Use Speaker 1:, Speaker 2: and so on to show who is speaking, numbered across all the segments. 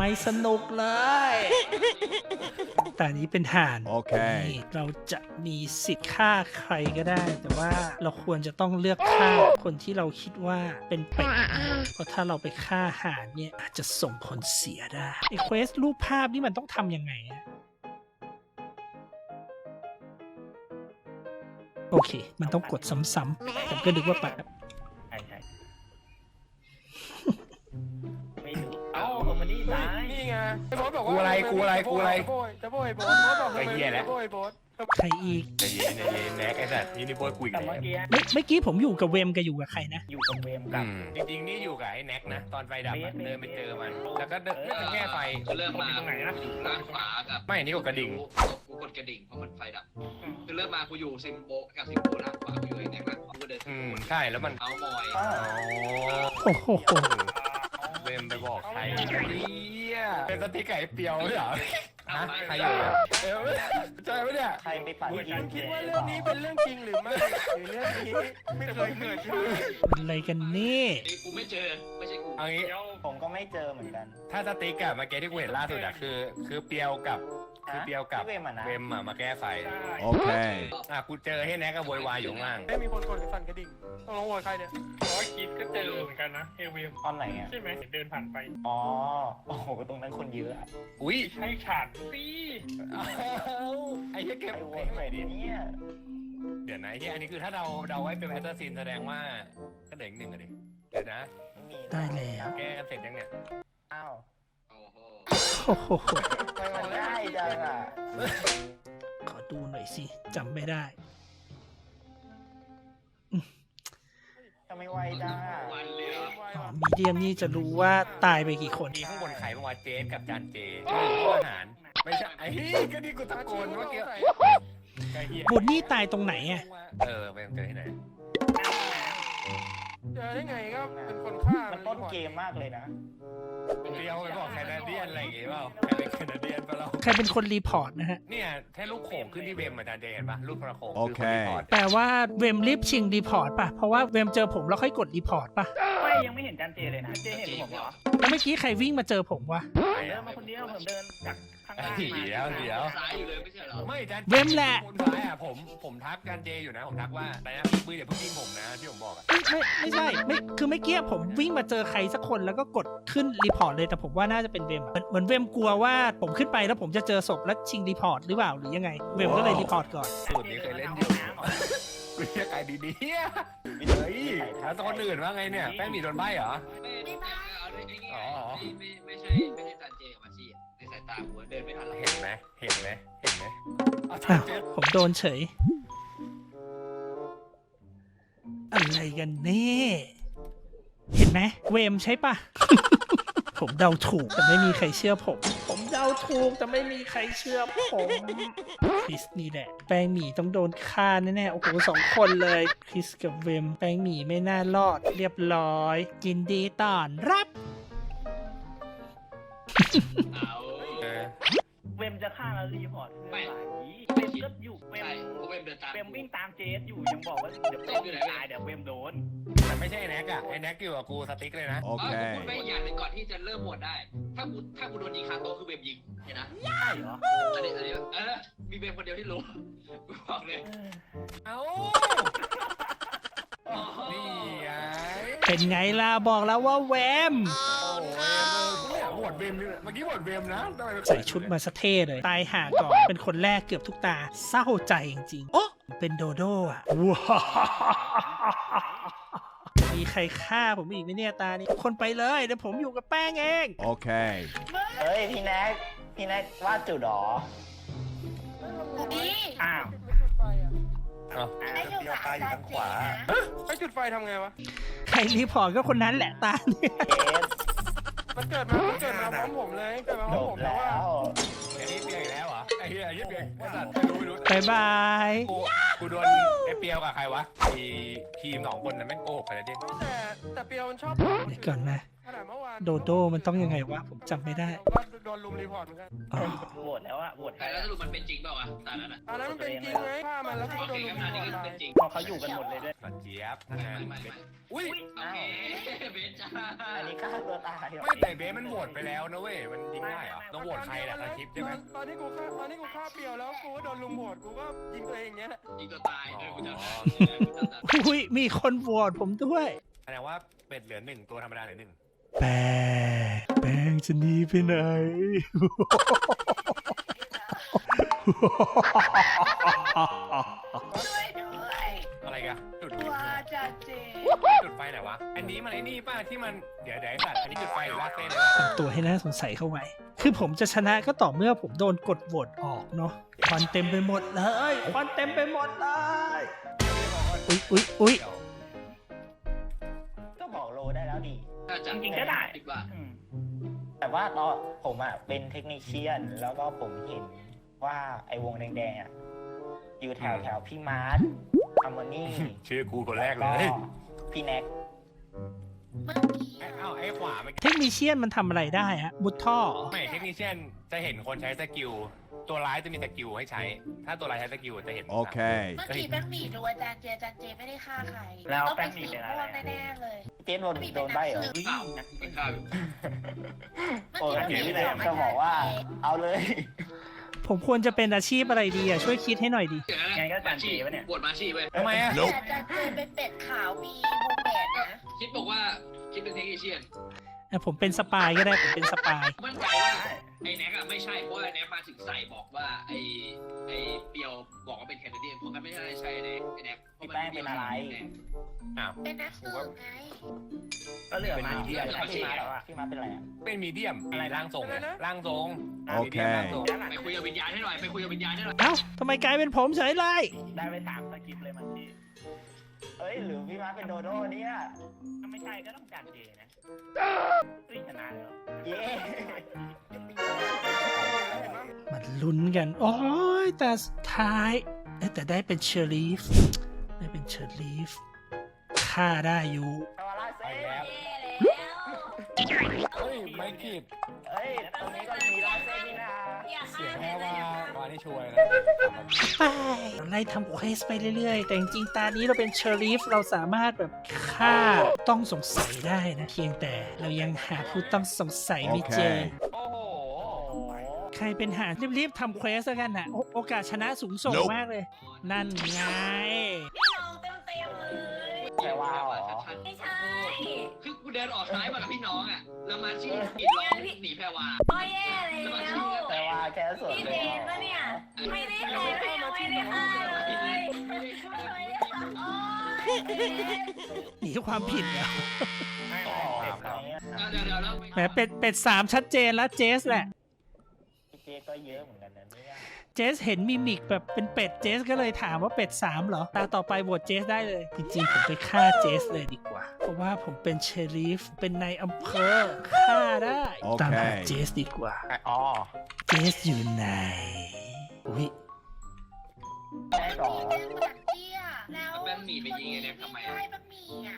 Speaker 1: ไม่สนุกเลยแต่นี้เป็นห่าน
Speaker 2: โอเค
Speaker 1: นี่เราจะมีสิทธิ์ฆ่าใครก็ได้ แต่ว่าเราควรจะต้องเลือกฆ่าคนที่เราคิดว่าเป็นเป็ดเพราะถ้าเราไปฆ่าห่านเนี่ยอาจจะส่งผลเสียได้ไอ้เควสรูปภาพนี่มันต้องทำยังไงอะโอเค มันต้องกดซ้ำๆผมก็นึกว่าปัด
Speaker 3: ใช่ไม่รู้เอ้าผมมานี่ตาย
Speaker 4: นี่ไงไอ้โบ๊ทบอกว่า
Speaker 5: กูอะไร
Speaker 4: จะโบยโบ๊ทโบ๊ทบอกทำไม
Speaker 5: ไอ้เหี้ยแหละ
Speaker 4: จะโบยโบ๊ท
Speaker 1: ใครอีก
Speaker 5: ใจเย็นแน็กไอ้สัตว์นี่โบยกุย
Speaker 3: แต่
Speaker 5: กัน
Speaker 3: เมื่อกี้
Speaker 1: เมื่อกี้ผมอยู่กับเวมกับอยู่กับใครนะ
Speaker 3: อยู่กับเวมกับ
Speaker 5: จริงๆนี่อยู่กับไอ้แน็กนะตอนไฟดับอะเดินไปเจอมันแล้วก็เดินไม่ถึงแค่ไฟ
Speaker 6: ก็เริ่มมา
Speaker 5: ตรงไหนนะ
Speaker 6: อยู่ล่างขวากับ
Speaker 5: ไม่นี่กดกระดิ่ง
Speaker 6: กูกดกระดิ่งเพราะมันไฟดับคือเริ่มมากูอยู่ซิมโบกับซิมโบล่างขวากูอยู่ไอ้แน็กล่างขวากูเดิน
Speaker 5: ใช่แล้วมัน
Speaker 6: เอามอย
Speaker 5: อ๋อ
Speaker 1: โอ้โห
Speaker 5: เวมไปบอกใครเนี่ยเป็นสติ๊กไก่เปียวเหรอฮะใครอยู่ใช่ไหมเนี่ย
Speaker 3: ใครไปปั่น
Speaker 4: ฉันคิดว่าเรื่องนี้เป็นเรื่องจริงหรือไม่หรือเรื่องนี้ไม่เคยเกิดขึ้น
Speaker 1: อะไรกันนี่
Speaker 6: นี่กูไม่เจอไม่ใช่กู
Speaker 5: เอางี้
Speaker 3: ผมก็ไม่เจอเหมือนกัน
Speaker 5: ถ้าสติ๊กอะเมื่อกี้ที่กูเห็นล่าสุดอะคือเปียวกับ
Speaker 3: พี่เวมอะนะ
Speaker 5: เวมอะมาแก้ไฟ
Speaker 2: Okay.
Speaker 5: กูเจอให้แน็กกับโวยวายอยู่ข้างล่าง
Speaker 4: ไม่มีคนกดสั่นกระดิ่งต้องลงโวยใครเนี่ย
Speaker 7: คิดก็เจอเหมือนกันนะเอวิม
Speaker 3: ตอนไหนอ่ะ
Speaker 7: ใช่ไหมเดินผ่านไป
Speaker 3: อ๋อโอ้โหตรงนั้นคนเยอะอะ
Speaker 5: อุ้ย
Speaker 7: ให้ฉันสิ
Speaker 5: ไอ้เหี้ยเก็บ
Speaker 3: ไอ้โวยไหนเนี่ย
Speaker 5: เดี๋ยวนะไอ้เหี้ยอันนี้คือถ้าเราไว้เป็นแอสซัสซินแสดงว่าก็เหลืออีกหนึ่งอะดิเดี๋ยวนะ
Speaker 3: ไม่มี
Speaker 1: ได้แล้ว
Speaker 5: แก้เสร็จยังเนี่ย
Speaker 3: อ้าว
Speaker 6: โอ้โห
Speaker 1: โอ้โห
Speaker 3: ทำไมมันง่ายจังอ่ะ
Speaker 1: ขอดูหน่อยสิจำไม่ได้
Speaker 3: ทำไมไวจังอ่ะ
Speaker 6: วันเลยเหรอ
Speaker 1: อ๋อมีเดียมนี่จะรู้ว่าตายไปกี่คน
Speaker 5: มีข้างบนใครบ้างวะเจสกับจานเจที่อยู่อาหารไม่ใช่ไอ้เหี้ยก็นี่กูตะโกนเมื่อกี้ไอ้เหี้ย
Speaker 1: บุญนี่ตายตรงไหนอะ
Speaker 5: ไปเจอที่ไหน
Speaker 4: เจอได้ไงก็เป็นคนฆ่า
Speaker 3: มันต้นเกมมากเลยนะ
Speaker 5: เดียวไปบอกแคนาเดียนอะไรอย่างงี้เปล่าใครเป็นแคนาเดียนปะเรา
Speaker 1: ใครเป็นคนรีพอร์ตนะฮะ
Speaker 5: เนี่ยแค่ลูกโขงขึ้นที่เวมอาจารย์เจเห็นปะลูกกระโขง
Speaker 2: โอเค
Speaker 1: แปลว่าเวมรีบชิงรีพอร์ตป่ะ เพราะว่าเวมเจอผมแล้วค่อยกดรีพอร์ตป่ะ
Speaker 3: ไม่ยังไม่เห็นจันเจเลยนะเจเห็นผมเหรอ
Speaker 1: แล้วเมื่อกี้ใครวิ่งมาเจอผมวะ
Speaker 3: เดินมาคนเดียวผมเดินจากข้างล่าง
Speaker 5: เดี๋ยว
Speaker 6: ซ้ายอยู่เลยไม่ใช่เหรอ
Speaker 5: ไม่อาจารย์
Speaker 1: เวมแหละ
Speaker 5: คนซ้ายอ่ะผมทักอาจารย์เจอยู่นะผมทักว่าอะไรนะปืนอย่าเพิ่งยิงผมนะที่ผมบอกอ่ะ
Speaker 1: ไม่ใช่ไม่คือไม่เกี้ผมวิ่งมาเจอใครสักคนแล้วก็กดขึ้นรีพอร์ตเลยแต่ผมว่าน่าจะเป็นเวมเหมือนเวมกลัวว่าผมขึ้นไปแล้วผมจะเจอศพแล้วชิงรีพอร์ตหรือเปล่าหรือยังไงเวมก็เลยรีพอร์ตก่อน
Speaker 5: สูตรนี้เคยเล่นอยู่กูเรียกไอ้ดีๆเฮ้ยแล้วคนอื่นว่าไงเนี่ยแป้งหมี่โดนใบเหรอ
Speaker 6: ไม่เอาได้ง่ายไม่ใช่จันเจกับมาชีในสายตาหัวเดินไม่ทันหรอก
Speaker 5: เห็นไหมเอา
Speaker 1: อ้าว
Speaker 5: เจอ
Speaker 1: ผมโดนเฉย อะไรกันนี่เห็นไหมเวมใช่ปะ ผมเดาถูกแต่ไม่มีใครเชื่อผม ผมเดาถูกแต่ไม่มีใครเชื่อผมคริสนี่แหละแป้งหมี่ต้องโดนฆ่าแน่ๆโอ้โห2 คนเลยคริสกับเวมแป้งหมี่ไม่น่ารอดเรียบร้อยยินดีต้อนรับ
Speaker 6: เอา
Speaker 3: เวมจะฆ่าแล้วรีพอร์ตเพื่อนหลายนี้เวมก็อยู่เว
Speaker 6: ใช่
Speaker 3: ม
Speaker 6: กูเป็นเดินตาม
Speaker 3: เวมวิ่งตามเจสอยู่ยังบอกว่าเดี๋ยวต้นตายเดี๋ยวเวมโดน
Speaker 5: แต่ไม่ใช่ไอ้แน็กอะไอ้แน็กอยู่กับกูสติ๊กเลยนะ
Speaker 6: กูพูดไป
Speaker 2: Okay.
Speaker 6: อย่างหนึ่งก่อนที่จะเริ่มโหวตได้ ถ้ากูโดนยิงคาโต๊ะคือเบมยิงเห็นนะ
Speaker 3: ใช่เหรอ
Speaker 6: อันนี้มีเบมคนเดียวที่รู้กูบอกเลย
Speaker 5: เอ้านี่ไง
Speaker 1: เป็นไงล่ะบอกแล้วว่าเวม
Speaker 5: โอ้ยเนี่ยบวชเวมเมื่อกี้บวชเวมนะทำไม
Speaker 1: ใส่ชุดมาสะเท่เลย ตายห่าก่อน เป็นคนแรกเกือบทุกตา เศร้าใจจริงๆ โอ้เป็นโดโด้อะว้าวมีใครฆ่าผมอีกไหมเนี่ยตานี้ทุกคนไปเลย เดี๋ยวผมอยู่กับแป้งเอง
Speaker 2: Okay.
Speaker 3: เฮ้ยพี่แน็กวาดจุดหรออ้าว
Speaker 4: จุดไฟอ่ะ
Speaker 5: เอ้า
Speaker 3: เดียวตายอยู่ทางขวา
Speaker 4: ไอ้จุดไฟทำไงวะ
Speaker 1: ใครรีพอร์ตก็คนนั้นแหละตาเนี่ย
Speaker 3: เจส
Speaker 4: มันเกิดมาพร้อมผมเลยเกิดมาพ
Speaker 3: จ
Speaker 4: ร้อม
Speaker 3: บ
Speaker 4: ผมแต่
Speaker 3: แล้
Speaker 4: ว่า
Speaker 3: ว
Speaker 5: ไอ้นี่เปียกอีกแล้วเหรอไอ้เหี้ยไอ้เหี้ยเปียกไอ้สัตว์ไม่รู้
Speaker 1: บายบาย
Speaker 5: กูโดนไอ้เปียวกับใครวะทีม2 คนนั้นแม่งโกหกกันเลยดิ
Speaker 4: แต่เปียวมันชอบ
Speaker 1: เดี๋ยวก่อนนะ
Speaker 4: ขนาดเมื่อวาน
Speaker 1: โดโดมันต้องยังไงวะผมจำไม่ได้
Speaker 4: ก็โดนลุมรีพอร์ตเหมือนกัน
Speaker 1: อ๋อ
Speaker 3: โหวตแล้วอะโหวต
Speaker 6: แต่แล้วสรุปมันเป็นจริงเปล่าวะตอนนั้นอ่ะ
Speaker 4: ตอนนั้นมันเป็นจริงไหมฆ่ามันแล้วก็
Speaker 6: โอ
Speaker 4: โด
Speaker 6: เคน
Speaker 4: ลุ
Speaker 6: งั้
Speaker 4: ม
Speaker 6: น
Speaker 4: รี
Speaker 6: อัน
Speaker 4: พ
Speaker 6: นี้
Speaker 4: อร์ต
Speaker 6: ก็เป็นจริง
Speaker 3: พอเขาอยู่กันหมดเลยด้วย
Speaker 5: ก่อนเจี๊ยบ
Speaker 6: ไม่ไม่
Speaker 5: อุ้ย
Speaker 6: โอเคเบนจ้า
Speaker 3: อันนี้ฆ่าตัวตาย
Speaker 5: ไม่แต่เบสมันโหวตไปแล้วนะเว้ยมันยิงได้เหรอต้องโหวตใครแหละสคริปต์ใช่ไหม
Speaker 4: ตอนที่กูฆ่าเปรียวแล้วกูก็โดนลุมโหวตกูก็ยิงตัวเองอย่างเงี้ย
Speaker 6: ยิงตัวตายเออกูจำได้
Speaker 1: อุ้ยมีคนโหวตผมด้วย
Speaker 5: แสดงว่าเป็ดเหลือหนึ่งตัวธรรมดาเหลือหนึ่ง
Speaker 1: แป้งจะหนีไปไหน
Speaker 5: อะไรกันจุดไฟจุดไฟไหนวะอันนี้มันไอ้นี่ป้าที่มันเดี๋ยวไอ้สัตว์อันนี้จุดไฟหรือลากเส้นเลย
Speaker 1: ทำตัวให้น่าสงสัยเข้าไว้ คือผมจะชนะก็ต่อเมื่อผมโดนกดโหวตออกเนาะควันเต็มไปหมดเลยควันเต็มไปหมดเลย อุ๊ย
Speaker 2: ก็บอกโลได้แล้วดิ
Speaker 6: จริงคิดว่า
Speaker 2: แต่ว่าตอนผมอ่ะเป็นเทคนิคเชียน แล้วก็ผมเห็นว่าไอ้วงแดงๆอ่ะอยู่แถวพี่มาร์ทอัมโมนี่
Speaker 5: ชื่อกูคนแรกเลย
Speaker 2: ก็พี่แน็ก
Speaker 5: เอ้าไอ้ขวาไม่
Speaker 1: เทคนิเชียนมันทำอะไรได้ฮะมุดท่อ
Speaker 5: ไม่เทคนิคเช่นจะเห็นคนใช้สกิลตัวร้ายจะมีสกิลให้ใช้ ถ้าตัวร้ายใช้สกิลจะเห็น
Speaker 8: โอเค
Speaker 9: เมื่อกี้แป้งหมี่ดูอาจารย์เจไม่ได้ฆ่าใคร
Speaker 3: แล้ว
Speaker 9: ต้อง
Speaker 3: แป้
Speaker 9: เป็น
Speaker 3: งหมี่
Speaker 9: สี
Speaker 3: เป็น
Speaker 9: ม่
Speaker 3: อะไร
Speaker 9: วงแน่ๆเลย
Speaker 2: เจนโดนใบเหรอ
Speaker 6: เปล่าเป็นข้าวอยู่
Speaker 2: โอ้ยพี่แน็กจะบอกว่าเอาเลย
Speaker 1: ผมควรจะเป็นอาชีพอะไรดีอ่ะช่วยคิดให้หน่อยดิ
Speaker 6: อย่างนั้นมาชีบวชมาชีเว้ย
Speaker 5: ทำไมอ่ะ
Speaker 9: แต่อาจารย์เจเป็นเป็ดขาวมีวงแหวนนะ
Speaker 6: คิดบอกว่าคิดเป็นเทคนิคเชียน
Speaker 1: ผมเป็นสปายก็ได้ผมเป็นสปาย
Speaker 6: มั่นใจว่าไอ้แน็กอะไม่ใช่เพราะไอ้แน็กมาถึงใส่บอกว่าไอ้เปียวบอกว่าเป็นแคนาเดียนเพราะมันไม่ได้ใช่ไอ้แน็ก
Speaker 2: พี่แป้งเป็นอะไร
Speaker 5: อ้าว
Speaker 9: เป็นนักสืบไง
Speaker 3: ก็เหลือมาที่
Speaker 2: พี่มาร์ทแล้วอ่ะพี่มาร์ทเป็นอะไรอ่ะ
Speaker 5: เป็นมีเดียมอะไรร่างทรงร่างทรง
Speaker 8: โอเค
Speaker 5: ร่างทรง
Speaker 6: ไปคุยกับวิญญาณให้หน่อยไปคุยกับวิญญาณให้หน่อย
Speaker 1: เอ้าทำไมกลายเป็นผมเฉยเลย
Speaker 3: ได้ไป3สกิปเลยมันที่
Speaker 2: เอ้ยหรือพี่มาร์ทเป็นโดโด้เนี่ย
Speaker 3: ถ้าไม่ใช่ก็ต้องจานเจนะชนะแล้ว
Speaker 2: เย้
Speaker 1: มันลุ้นกัน โอ้ยแต่สุดท้ายแต่ได้เป็นเชอรีฟได้เป็นเชอรีฟฆ่าได้อยู่
Speaker 2: ทำอะไรเซ่
Speaker 5: เฮ้ยไม่ผิด
Speaker 2: เอ้ยตรงนี้ก็มีลายเส้นนี่นะ
Speaker 5: เสียงแค่ว่านี่ช่วยนะ
Speaker 1: ไปเราไล่ทำเควสไปเรื่อยๆ แต่จริงๆตานี้เราเป็นเชอรีฟเราสามารถแบบฆ่าต้องสงสัยได้นะเพียงแต่เรายังหาผู้ต้องสงสัยไม่เจอ
Speaker 5: โอ้โห
Speaker 1: ใครเป็นหารีบๆทำเควสแล้วกันนะโอกาสชนะสูงส่งมากเลย นั่นไง
Speaker 9: พี่น้องเต็มเลย
Speaker 2: แต่ว่าเหรอ
Speaker 9: ไม่ใช่
Speaker 6: คือกูเดินออกซ้ายมากับพี่น้องอ่ะแล้วมาชีกิดร้องหนีแพรวา
Speaker 9: โอ้ยแย่แล้ว
Speaker 2: แต่ว่าแค่ส่วน
Speaker 9: พี่
Speaker 2: เล
Speaker 9: เจ
Speaker 2: ย
Speaker 9: นปะเนี่ย ไม่ได้เลยไม่ได้ฆ่าเลยไม่ได้ฆ่าโอ้ย
Speaker 1: หนีความผิดเหรอ
Speaker 3: ไม่เด็กเรา
Speaker 6: เดี๋ยวแล้ว
Speaker 1: แหมเป็ดสามชัดเจนแล้วเจสแหละ
Speaker 2: พี่เจก็เยอะเหมือนกันนะเนี่ย
Speaker 1: เจสเห็นมิมิกแบบเป็นเป็ดเจสก็เลยถามว่าเป็ด3เหรอตาต่อไปโหวตเจสได้เลย จริงๆ ผมไปฆ่าเจสเลยดีกว่า เพราะว่าผมเป็นเชอรีฟเป็นนายอำเภอฆ่าได้
Speaker 8: โอเค
Speaker 1: ตามหาเจสดีกว่า
Speaker 5: อ๋อ
Speaker 1: เจสอยู่ไหนอุ้ย
Speaker 2: แม่ก่อน
Speaker 9: พี่เจนเหมือนเตี้ยแล้ว
Speaker 6: แป้งหมี่ไปยิงไอ้แน็กทำไม
Speaker 9: ใช่แป้งหมี่อ่ะ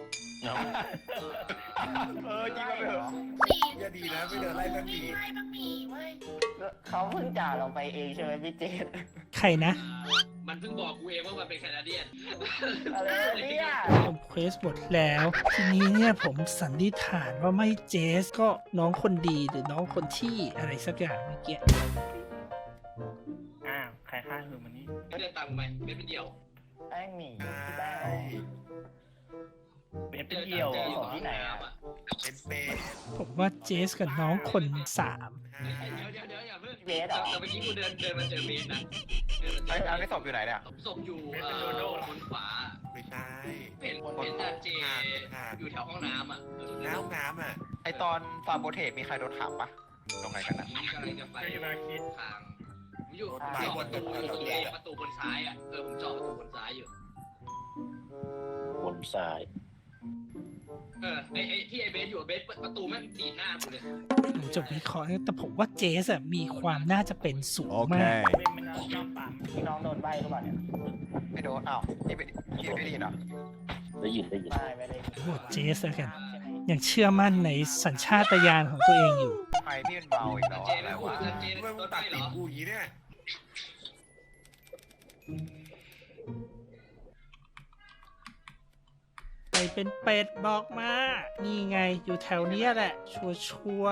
Speaker 2: ยิงมาเถอะ
Speaker 9: อย่าดีนะไม่เดินไล่แป้งหมี่ไล่แป้งหมี่เว้ย
Speaker 2: เขาเพิ่งจ่าเราไปเองใช่ไหมพี่เจน
Speaker 1: ใครนะ
Speaker 6: มันเพิ่งบอกกูเองว่ามันเป็นแคนาเดียน
Speaker 2: อะไรเนี่ย
Speaker 1: ผมเควสหมดแล้ว ทีนี้เนี่ยผมสันนิษฐานว่าไม่เจสก็น้องคนดีหรือน้องคนที่อะไรสักอย่างเมื่อกี้
Speaker 3: อ้าวใครฆ่าคือมันนี่
Speaker 6: เดินตามกูไหมเป็นเดี่ยว
Speaker 2: แป้งหมี่พี่แป้ง
Speaker 3: เป็นเดี่ยว
Speaker 6: อยู่ที่ไหนอ่ะ
Speaker 1: ผมว่าเจสกับน้องคน3
Speaker 6: เดี๋ยวอย่าเพิ่งแต่เมื่อกี้กูเดินมาเจอเบนนะ
Speaker 5: ไอ้อันนี้ศพอยู่ไหนเนี่ย
Speaker 6: ศพอยู่บนขวา
Speaker 7: ไม่ใช่
Speaker 6: เป็นจานเจอยู่แถวห้องน้ำอ่ะ
Speaker 7: น้ำน้ำอ่ะ
Speaker 5: ไอตอนฟาร์โบเทสมีใครโดนถามปะตรงไหนกันนะ
Speaker 6: นี่กำลังจะไป
Speaker 7: ไม่มาคิด
Speaker 6: ทางอยู่จอประตูบนซ้ายอ่ะผมจอประตูบนซ้ายอยู่
Speaker 2: บนซ้าย
Speaker 6: ไอ้ที่ไอ้เบสอยู่เบสประตูแม่งตีหน้ากูเลย
Speaker 1: ผมจะวิเคราะห์แต่ผมว่าเจสอะมีความน่าจะเป็นสูง
Speaker 8: โอเค
Speaker 1: มาก
Speaker 3: เว้นมันชอบปั๊ม
Speaker 2: พี่น้องโดนใบหรือเปล่าเนี่ย
Speaker 5: ไม่โดนอ้าวนี่ไม่ได้ยินเหรอ
Speaker 2: ไม่ได้
Speaker 1: โหวตเจสแล้วกัน
Speaker 2: ใช่ไหม
Speaker 1: ยังเชื่อมั่นในสัญชาตญาณของตัวเองอยู่
Speaker 5: ใครที่มันเบาอีกแล้ว
Speaker 6: เจ
Speaker 5: อะไร
Speaker 6: ไม่พูด
Speaker 5: วะ
Speaker 6: เจโดนไปเหรอ
Speaker 4: กูอย่างนี้เนี่ย
Speaker 1: ใครเป็นเป็ดบอกมา นี่ไงอยู่แถวเนี้ยแหละ ชัวร์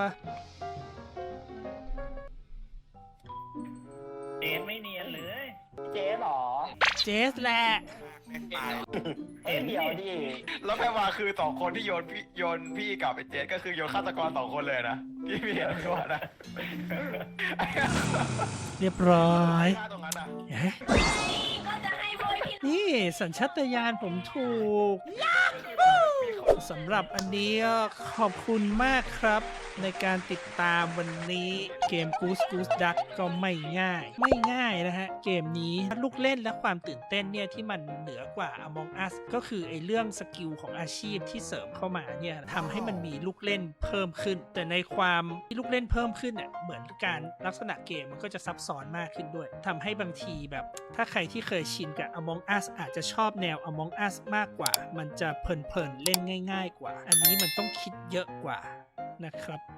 Speaker 3: เจนไม่เนียนเลย
Speaker 2: เจ๊เหรอ
Speaker 1: ๆเจสแหละ
Speaker 2: เอ้ยเดี๋ยวดิ
Speaker 5: แล้วแพรวาคือ2คนที่โยนพี่กับไอ้เจสก็คือโยนฆาตกร2คนเลยนะพี่เห็นด้วยนะ
Speaker 1: เรียบร้อย
Speaker 5: ฆ่าตรงนั้นอ่ะ
Speaker 1: เอ๊ะ
Speaker 9: ก็จะให้บอยพี่
Speaker 1: นี่สัญชาตญาณผมถูกสำหรับอันนี้ก็ขอบคุณมากครับ ในการติดตามวันนี้เกม Goose Goose Duck ก็ไม่ง่ายนะฮะ เกมนี้ลูกเล่นและความตื่นเต้นเนี่ยที่มันเหนือกว่า Among Us ก็คือไอ้เรื่องสกิลของอาชีพที่เสริมเข้ามาเนี่ยทำให้มันมีลูกเล่นเพิ่มขึ้น แต่ในความที่ลูกเล่นเพิ่มขึ้นเนี่ยเหมือนการลักษณะเกมมันก็จะซับซ้อนมากขึ้นด้วยทำให้บางทีแบบถ้าใครที่เคยชินกับ Among Us อาจจะชอบแนว Among Us มากกว่า มันจะเพลินๆเล่นง่ายๆกว่า อันนี้มันต้องคิดเยอะกว่านะครับ